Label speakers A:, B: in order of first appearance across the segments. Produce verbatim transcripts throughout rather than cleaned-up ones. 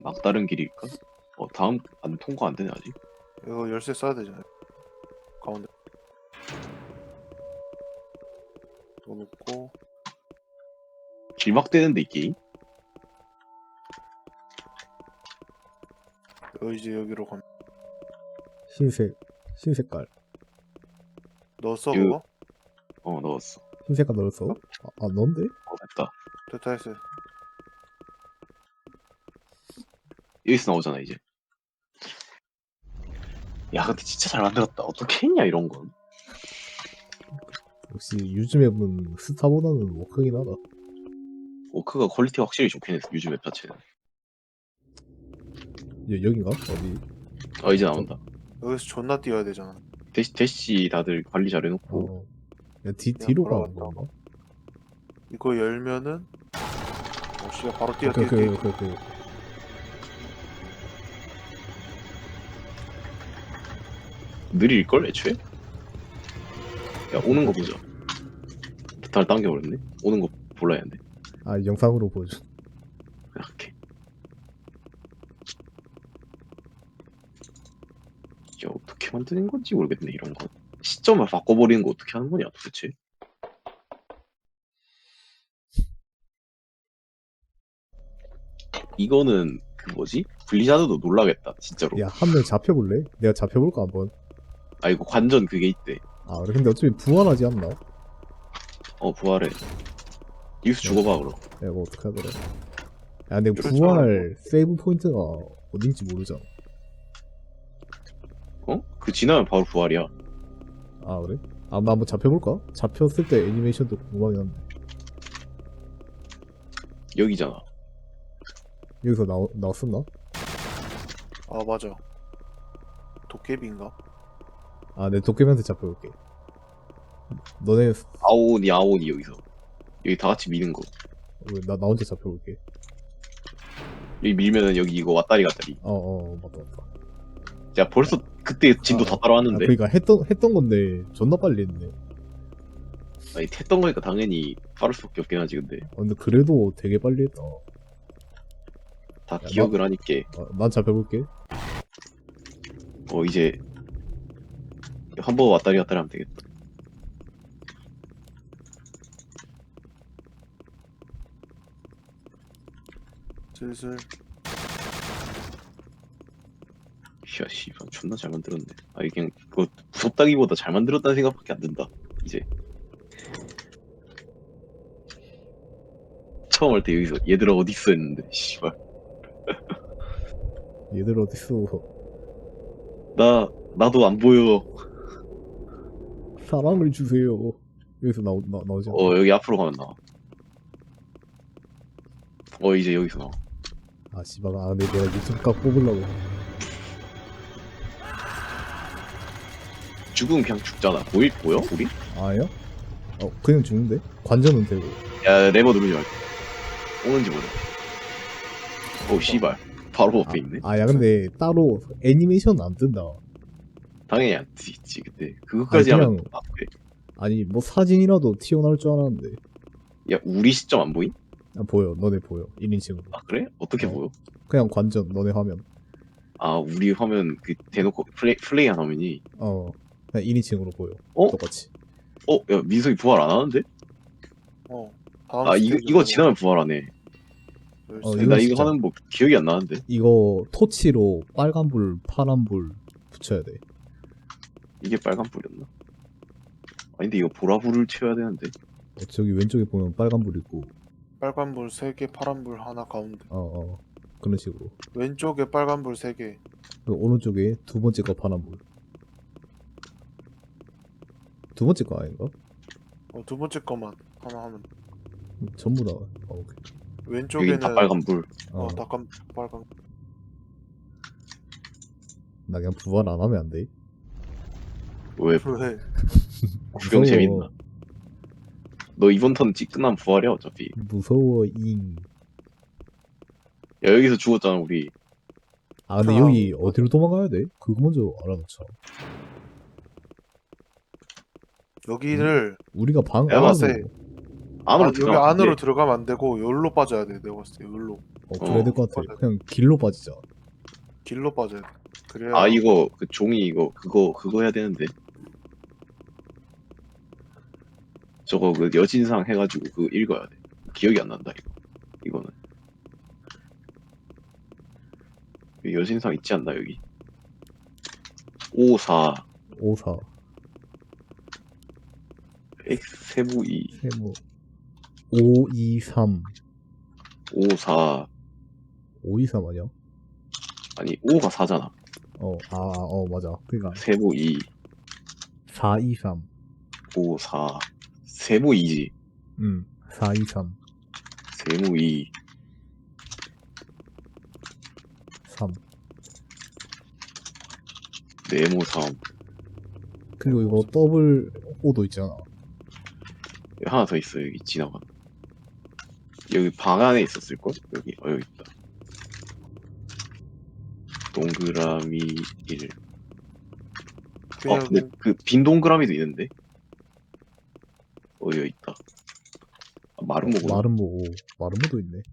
A: 막다른 길일까? 어 다음 안 통과 안 되네 아직.
B: 이거 열쇠 써야 되잖아요. 가운데 넣어놓고
A: 길막되는데 이 게임?
B: 여 이제 여기로 가면
C: 흰색 흰색깔
B: 넣었어
A: 그-
B: 그거?
A: 어 넣었어.
C: 흰색깔 넣었어? 아, 아 넣은데?
A: 어 됐다.
B: 됐다 했어요.
A: 여기서 나오잖아 이제. 야 근데 진짜 잘 만들었다. 어떻게 했냐 이런 건.
C: 역시 요즘 앱은 스타보다는 워크긴 하다.
A: 워크가 퀄리티가 확실히 좋긴 했어 요즘 앱 자체는.
C: 여, 여긴가? 어디?
A: 어 이제 나온다.
B: 여기서 존나 뛰어야 되잖아.
A: 대시 대시 다들 관리 잘 해놓고.
C: 어. 야, 뒤,
B: 그냥
C: 뒤로 가는
B: 걸어갔다.
C: 건가?
B: 이거 열면은 어 씨야 바로 뛰어
C: 그,
B: 뛰어 뛰어.
C: 그, 그, 그.
A: 느릴걸 애초에? 야 오는 거 보자. 달 당겨버렸네. 오는 거 몰라야 하는데.
C: 아, 영상으로 보여줘.
A: 이렇게. 야 어떻게 만드는 건지 모르겠네 이런 거. 시점을 바꿔버리는 거 어떻게 하는 거냐 도대체. 이거는 그 뭐지? 블리자드도 놀라겠다 진짜로.
C: 야, 한 명 잡혀볼래? 내가 잡혀볼까, 한번?
A: 아 이거 관전 그게 있대.
C: 아, 그래. 근데 어차피 부활하지 않나? 야,
A: 어 부활해. 뉴스 죽어봐 그럼.
C: 이거 어떡하더라. 야, 근데
B: 그렇죠.
C: 부활 세이브 포인트가 어딘지 모르잖아.
A: 어? 그 지나면 바로 부활이야.
C: 아, 그래? 아, 나 한번 잡혀볼까? 잡혔을 때 애니메이션도 궁금하긴 한데.
A: 여기잖아.
C: 여기서 나오, 나왔었나?
B: 아 맞아. 도깨비인가?
C: 아, 내 도깨비한테 잡혀볼게. 너네,
A: 아오니 아오니 여기서. 여기 다 같이 미는 거.
C: 왜, 나, 나 혼자 잡혀볼게.
A: 여기 밀면은 여기 이거 왔다리 갔다리.
C: 어, 어, 맞다, 맞다.
A: 야 벌써 그때 진도
C: 아,
A: 다
C: 아,
A: 따라왔는데.
C: 그러니까 했던, 했던 건데, 존나 빨리 했네.
A: 아니 했던 거니까 당연히 빠를 수밖에 없긴 하지 근데.
C: 어, 근데 그래도 되게 빨리 했다.
A: 다
C: 야,
A: 기억을 하니까.
C: 어, 난 잡혀볼게.
A: 어 이제 한 번 왔다리 갔다리 하면 되겠다.
B: 슬슬
A: 야 씨발 존나 잘 만들었네. 아 이게 그냥 그거 무섭다기보다 잘 만들었다는 생각밖에 안 든다 이제. 처음 할 때 여기서 얘들아 어딨어 했는데 씨발
C: 얘들 어딨어.
A: 나 나도 안 보여.
C: 사랑을 주세요. 여기서 나오, 나, 나오지 않나?
A: 어 여기 앞으로 가면 나와. 어 이제 여기서 나와.
C: 아, 씨발. 아, 근데 내가 유튜브 각 뽑으려고.
A: 죽으면 그냥 죽잖아. 보일 보여 우리?
C: 아니야? 어, 그냥 죽는데? 관전은 되고.
A: 야 레버 누르지 말고. 오는지 모르. 오 씨발 바로 앞에 있네.
C: 아, 야, 근데 따로 애니메이션 안 뜬다.
A: 당연히 안 있지 그때. 그것까지
C: 아니,
A: 하면
C: 그냥-
A: 아, 그래.
C: 아니, 뭐 사진이라도 튀어나올 줄 알았는데.
A: 야 우리 시점 안 보임?
C: 아, 보여. 너네 보여. 일 인칭으로.
A: 아 그래? 어떻게
C: 어.
A: 보여?
C: 그냥 관전, 너네 화면.
A: 아 우리 화면 그 대놓고 플레이 플레이한 화면이.
C: 어. 그냥 일 인칭으로 보여.
A: 어?
C: 똑같이.
A: 어? 야 민석이 부활 안 하는데?
B: 어 다음
A: 아 이거
B: 스테이지
A: 이거
B: 넘어가.
A: 지나면 부활하네.
B: 열쇠.
C: 어,
A: 근데
C: 이거
A: 나 이거
C: 진짜.
A: 하는 법 기억이 안 나는데.
C: 이거 토치로 빨간불, 파란불 붙여야 돼.
A: 이게 빨간 불이었나? 아니 근데 이거 보라불을 채워야 되는데.
C: 어, 저기 왼쪽에 보면 빨간불 있고,
B: 빨간불 세 개, 파란불 하나 가운데.
C: 어, 어. 그런 식으로.
B: 왼쪽에 빨간불 세 개.
C: 그 오른쪽에 두 번째 거 파란불. 두 번째 거 아닌가?
B: 어, 두 번째 거만 하나 하면.
C: 음, 전부 다. 어, 오케이.
B: 왼쪽에는
A: 여긴 다 빨간 불.
C: 어,
B: 어, 닭감 빨간.
C: 나 그냥 부활 안 하면 안 돼?
A: 왜
B: 왜?
A: 구경
C: 무서워.
A: 재밌나? 너 이번 턴 찍- 끝나면 부활이야 어차피.
C: 무서워, 잉.
A: 야 여기서 죽었잖아 우리.
C: 아, 근데
B: 아,
C: 여기 어디로 도망가야 돼? 그거 먼저 알아놓자.
B: 여기를
C: 우리가 방
A: 내가
C: 안으로.
A: 봤을 안으로
B: 아, 여기
A: 들어가면 안
B: 안으로
A: 돼.
B: 들어가면 안 되고 여기로 빠져야 돼. 내가 봤을 때 여기로
C: 어 그래야 될 것 같아.
B: 맞아요.
C: 그냥 길로 빠지자.
B: 길로 빠져야 돼. 그래야
A: 아 이거 그 종이 이거 그거 그거 해야 되는데 저거 그 여진상 해가지고 그거 읽어야 돼. 기억이 안 난다 이거. 이거는 여기 여진상 있지 않나 여기? 오, 사
C: 오사
A: x 세부 이
C: 세모 오이삼
A: 오, 사
C: 오이삼 아니야?
A: 아니 오가 사잖아.
C: 어아어 맞아. 그니까
A: 세부 이
C: 사이삼
A: 오, 사 세부 이지.
C: 음 사이삼
A: 세무 이
C: 삼
A: 네모 삼
C: 그리고 이거 더블 오도 있잖아.
A: 여기 하나 더 있어. 여기 지나가. 여기 방 안에 있었을걸? 여기 어 여기 있다. 동그라미 일. 어
B: 그냥
A: 근데 그 빈 동그라미도 있는데 어 여기 있다. 아, 마름모구나.
C: 마름모 오 마름모도 있네.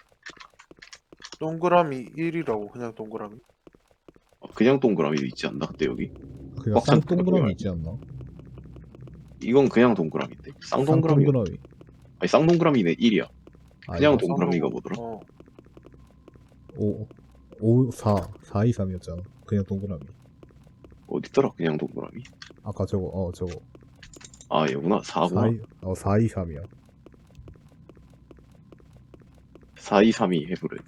B: 동그라미 일이라고 그냥 동그라미.
A: 어, 그냥 동그라미도 있지 않나? 근데 여기
C: 그니까
A: 꽉 찬
C: 쌍동그라미
A: 동그라미.
C: 있지 않나?
A: 이건 그냥 동그라미인데 쌍동그라미
C: 쌍동그라미
A: 아니 쌍동그라미는 일이야. 그냥
C: 아니다.
A: 동그라미가
B: 쌍둥이.
A: 뭐더라?
B: 어.
C: 오, 오, 사, 사이삼이었잖아. 그냥 동그라미.
A: 어딨더라? 그냥 동그라미.
C: 아까 저거, 어, 저거.
A: 아 여구나. 사구나.
C: 사이, 어, 사이삼이야.
A: 사, 이, 삼, 이 해보래.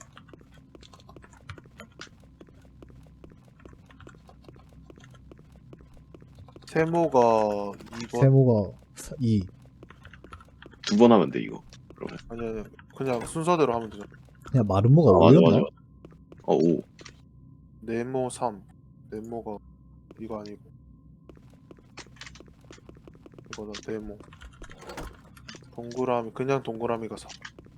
B: 세모가 이 번.
C: 세모가 이.
A: 두 번 하면 돼 이거. 그러면.
B: 아니 아니 그냥 순서대로 하면 되잖아.
C: 그냥 마름모가
A: 아, 맞아
C: 오였나?
A: 맞아. 어 오.
B: 네모 삼. 네모가 이거 아니고 이거다 네모. 동그라미 그냥 동그라미가 사.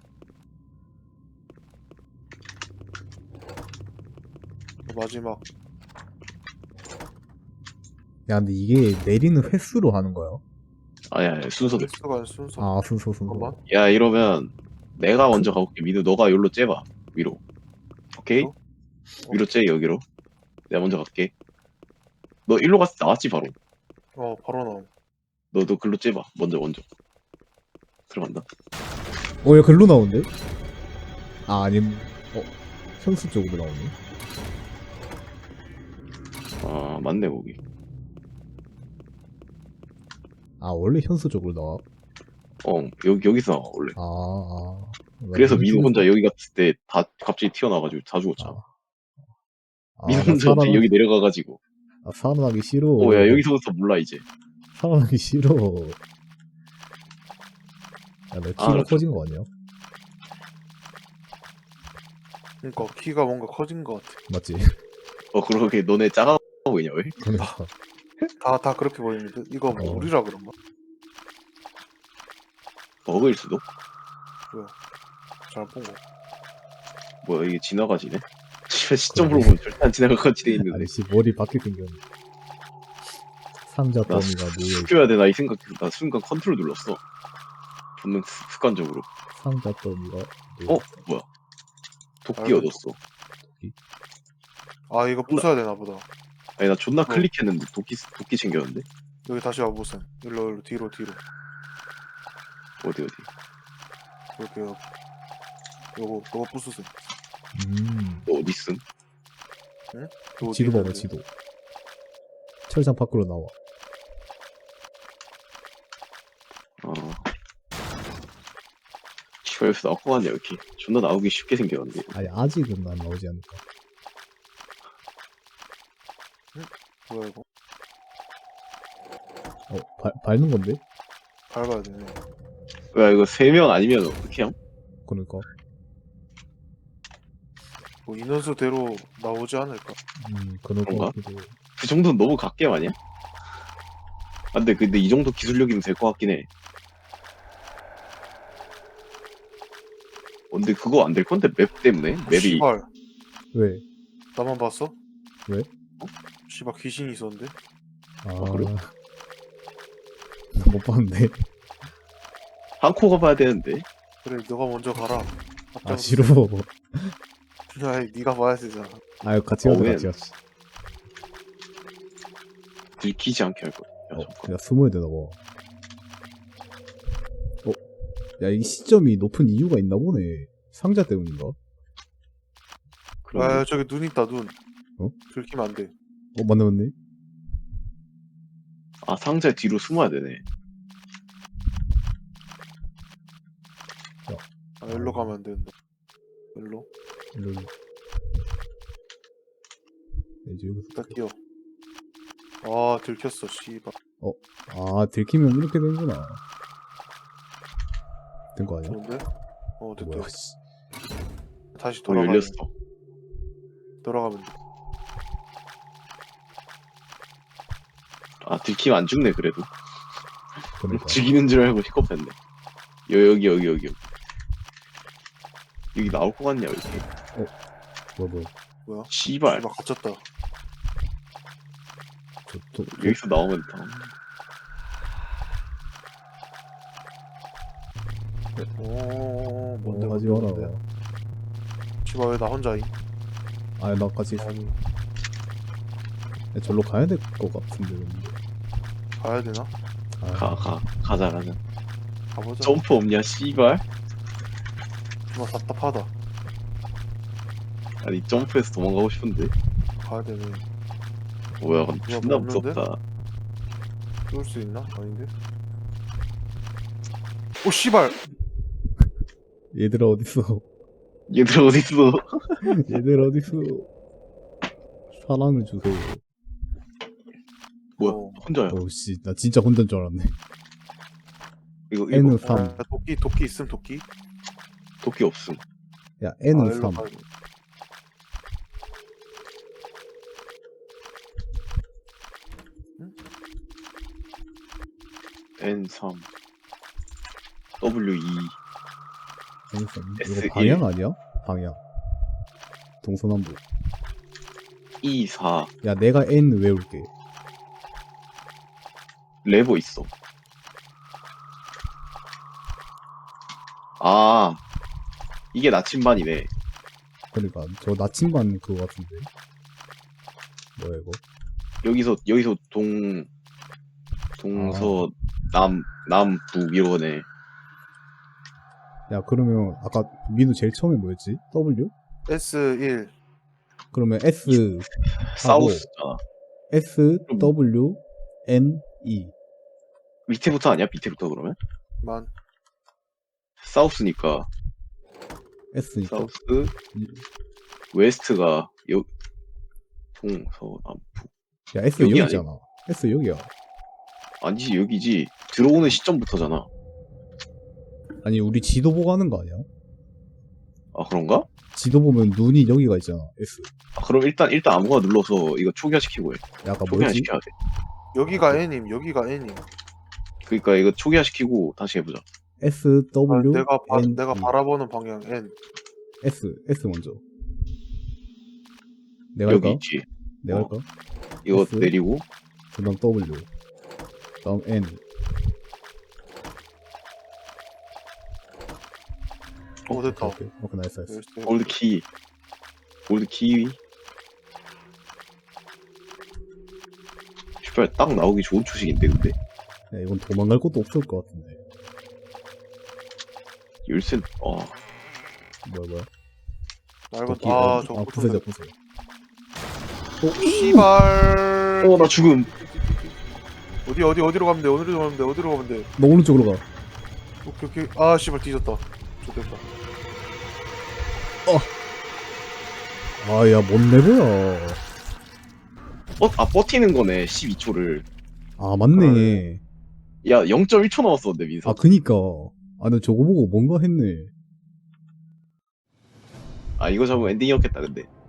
B: 마지막
C: 야, 근데 이게 내리는 횟수로 하는 거야?
A: 아야 아니, 순서대로.
B: 횟수가 아니라 순서.
C: 아, 순서, 순서.
B: 잠깐만.
A: 야 이러면 내가 먼저 가볼게. 민우 너가 여기로 째봐. 위로. 오케이?
B: 위로?
A: 위로 째 여기로. 내가 먼저 갈게. 너 일로 갔을 때 나왔지 바로.
B: 어 바로 나옴.
A: 너도 글로 째봐. 먼저 먼저. 들어간다.
C: 어, 야, 글로 나오는데? 아, 아님, 어, 현수 쪽으로 나오네.
A: 아 맞네 거기.
C: 아, 원래 현수 쪽으로 나와?
A: 어 여기 여기서 나와 원래.
C: 아, 아.
A: 그래서
C: 나
A: 민우
C: 현수-
A: 혼자 여기 갔을 때 다 갑자기 튀어나와가지고 다 죽었잖아.
C: 아,
A: 민우
C: 나
A: 혼자
C: 살아나,
A: 여기 내려가가지고.
C: 아, 살아나기 싫어.
A: 어야 여기서부터 몰라 이제.
C: 살아나기 싫어. 야, 너 키가
A: 알았어.
C: 커진 거 아니야?
B: 그러니까 키가 뭔가 커진 것 같아.
C: 맞지?
A: 어 그러게 너네 작아 보이냐 왜?
C: 그러니까.
B: 다 다 그렇게 보이는데 이거 뭐
C: 어.
B: 우리라 그런가?
A: 버그일 수도?
B: 잘 본 거.
A: 뭐야 이게 지나가지네? 시점으로 보면 절대 안 지나갈 것 같이 돼 있는데.
C: 아니, 씨, 머리 바뀌게 생겼네. 상자
A: 나
C: 더미가 놓여있
A: 숙여야 되나 이 생각. 나 순간 컨트롤 눌렀어. 본능 습- 습관적으로.
C: 상자 더미가
A: 어 뭐야? 도끼
B: 알고
A: 얻었어.
B: 아 이거 부숴야 되나 보다.
A: 아니 나 존나 클릭했는데 도끼 도끼 챙겼는데.
B: 여기 다시 와보세요. 일로 일로 뒤로 뒤로.
A: 어디 어디?
B: 이렇게 여기. 요거 요거 부수세요.
C: 음,
A: 너 어디 있음?
B: 요거
C: 지도
B: 뒤에
C: 봐봐,
B: 있는데.
C: 지도. 철장 밖으로 나와.
A: 어. 씨발 여기서 나올 거 같냐 이렇게. 존나 나오기 쉽게 생겼는데.
C: 아니, 아직은 안 나오지 않을까.
B: 뭐야 이거?
C: 어, 발, 밟는 건데?
B: 밟아야 되네.
A: 야 이거 세 명 아니면 어떻게 함?
C: 그러니까.
B: 뭐 인원수대로 나오지 않을까?
C: 음, 그럴 것
A: 그런가?
C: 같기도. 해.
A: 그 정도는 너무 갓겜 아니야? 아, 근데 근데 이 정도 기술력이면 될 것 같긴 해. 어, 근데 그거 안 될 건데 맵 때문에 맵이
B: 씨발
C: 왜?
B: 나만 봤어?
C: 왜?
B: 어? 씨발 귀신이 있었는데?
C: 아,
A: 어, 그래?
C: 나 못 봤는데.
A: 한코 가봐야 되는데.
B: 그래 너가 먼저 가라.
C: 아
B: 앞장서.
C: 싫어.
B: 아이 네가 봐야 되잖아.
C: 아유 같이
A: 어,
C: 가자
A: 왜?
C: 같이 가자.
A: 들키지 않게 할 거야. 야,
C: 어,
A: 잠깐.
C: 그냥 숨어야 되나 봐. 어, 야, 이 시점이 높은 이유가 있나 보네. 상자 때문인가?
A: 그럼
B: 아 저기 눈 있다 눈.
C: 어?
B: 들키면 안 돼.
C: 어, 맞네, 맞네.
A: 아 상자 뒤로 숨어야 되네.
B: 아 일로 가면 안 된다. 일로.
C: 일로, 일로. 이제 여기서.
B: 일단 뛰어. 아 들켰어 씨발.
C: 아, 들키면 이렇게 되는구나. 된 거 아니야?
B: 좋은데? 어 됐다.
C: 뭐야, 씨.
B: 다시
A: 어
B: 돌아가.
A: 열렸어.
B: 돌아가면 돼.
A: 아 들키면 안 죽네 그래도.
C: 그러니까.
A: 죽이는 줄 알고 픽업했네. 여 여기 여기 여기 여기. 여기 나올 것 같냐 이렇게.
C: 뭐, 뭐.
B: 뭐야?
A: 씨발
B: 씨발 갇혔다.
C: 저, 저, 저,
A: 여기서 나오면 다.
B: 오 뭔데
C: 뭐 하지
B: 뭔데,
C: 마라.
B: 뭔데? 씨발 왜 나 혼자임?
C: 아, 나 같이 있어.
B: 아니
C: 야, 절로 가야 될 것 같은데, 근데.
B: 가야 되나?
C: 아,
A: 가 가 가자 가자.
B: 가보자.
A: 점프 없냐 씨발.
B: 정말 답답하다.
A: 아니 점프해서 도망가고 싶은데.
B: 가야 되네.
A: 뭐야 근데
B: 누가
A: 존나
B: 먹는데?
A: 무섭다.
B: 뚫을 수 있나? 아닌데? 오 씨발!
C: 얘들아, 어딨어?
A: 얘들 어딨어?
C: 얘들 어딨어? 사랑을 주세요.
A: 뭐야
B: 어.
A: 혼자야.
C: 오, 씨, 나 진짜 혼자인 줄 알았네.
A: 이거 이거
C: N은 삼.
B: 야, 도끼 도끼 있음 도끼?
A: 도끼 없음.
C: 야,
B: 아,
C: N은
B: 일로
C: 삼.
B: 가야 돼.
A: 엔 삼 더블유 이
C: N은 삼.
A: 에스
C: 이거
A: 일.
C: 방향 아니야? 방향. 동서남북.
A: 이 사
C: 야, 내가 N 외울게.
A: 레버 있어. 아 이게 나침반이네.
C: 그러니까 저 나침반 그거 같은데. 뭐야 이거?
A: 여기서 여기서 동 동서 남 남북 이러네.
C: 야, 그러면 아까 민우 제일 처음에 뭐였지? W?
B: 에스 일.
C: 그러면 S
A: 사우스잖아.
C: S W N E.
A: 밑에부터 아니야? 밑에부터 그러면?
B: 만.
A: 사우스니까
C: S니까.
A: 사우스 웨스트가 여 동서 남북.
C: 야, S
A: 여기
C: 여기잖아. S 여기야.
A: 아니지 여기지. 들어오는 시점부터잖아.
C: 아니, 우리 지도 보고 하는 거 아니야?
A: 아 그런가?
C: 지도 보면 눈이 여기가 있잖아. S.
A: 아, 그럼 일단 일단 아무거나 눌러서 이거 초기화시키고 해.
C: 야, 아까
A: 초기화
C: 뭐였지?
A: 시켜야 돼.
B: 여기가 N임 여기가 N임.
A: 그러니까 이거 초기화시키고 다시 해보자.
C: S
B: 아,
C: W
B: 내가 바,
C: N
B: 내가
C: E.
B: 바라보는 방향 N.
C: S S 먼저. 내가
A: 여기
C: 할까?
A: 있지.
C: 내가
A: 어.
C: 할까?
A: 이거
C: S?
A: 내리고
C: 그다음 W. 다음 N.
B: 어 됐다.
C: 오케이. 오케이, 나이스 나이스.
B: 열쇠.
A: 골드 키. 골드 키. 씨발 딱 나오기 좋은 초식인데 근데
C: 야, 이건 도망갈 곳도 없을 것 같은데.
A: 열쇠. 어
C: 뭐야 뭐야?
B: 말고
C: 도끼,
B: 아
C: 어,
B: 저거
C: 아, 부서져 부서져.
B: 씨발.
A: 어 나 죽음.
B: 어디 어디 어디로 가면 돼? 어디로 가면 돼? 어디로 가면 돼?
C: 너 오른쪽으로 가.
B: 오케이 오케이. 아 씨발 뒤졌다. 좋됐다.
C: 아, 야, 뭔 레버야?
A: 어, 아 버티는 거네. 십이 초를.
C: 아, 맞네.
A: 야 영 점 일 초 남았었는데 민서.
C: 아, 그니까. 아, 나 저거 보고 뭔가 했네.
A: 아 이거 잡으면 엔딩이었겠다 근데.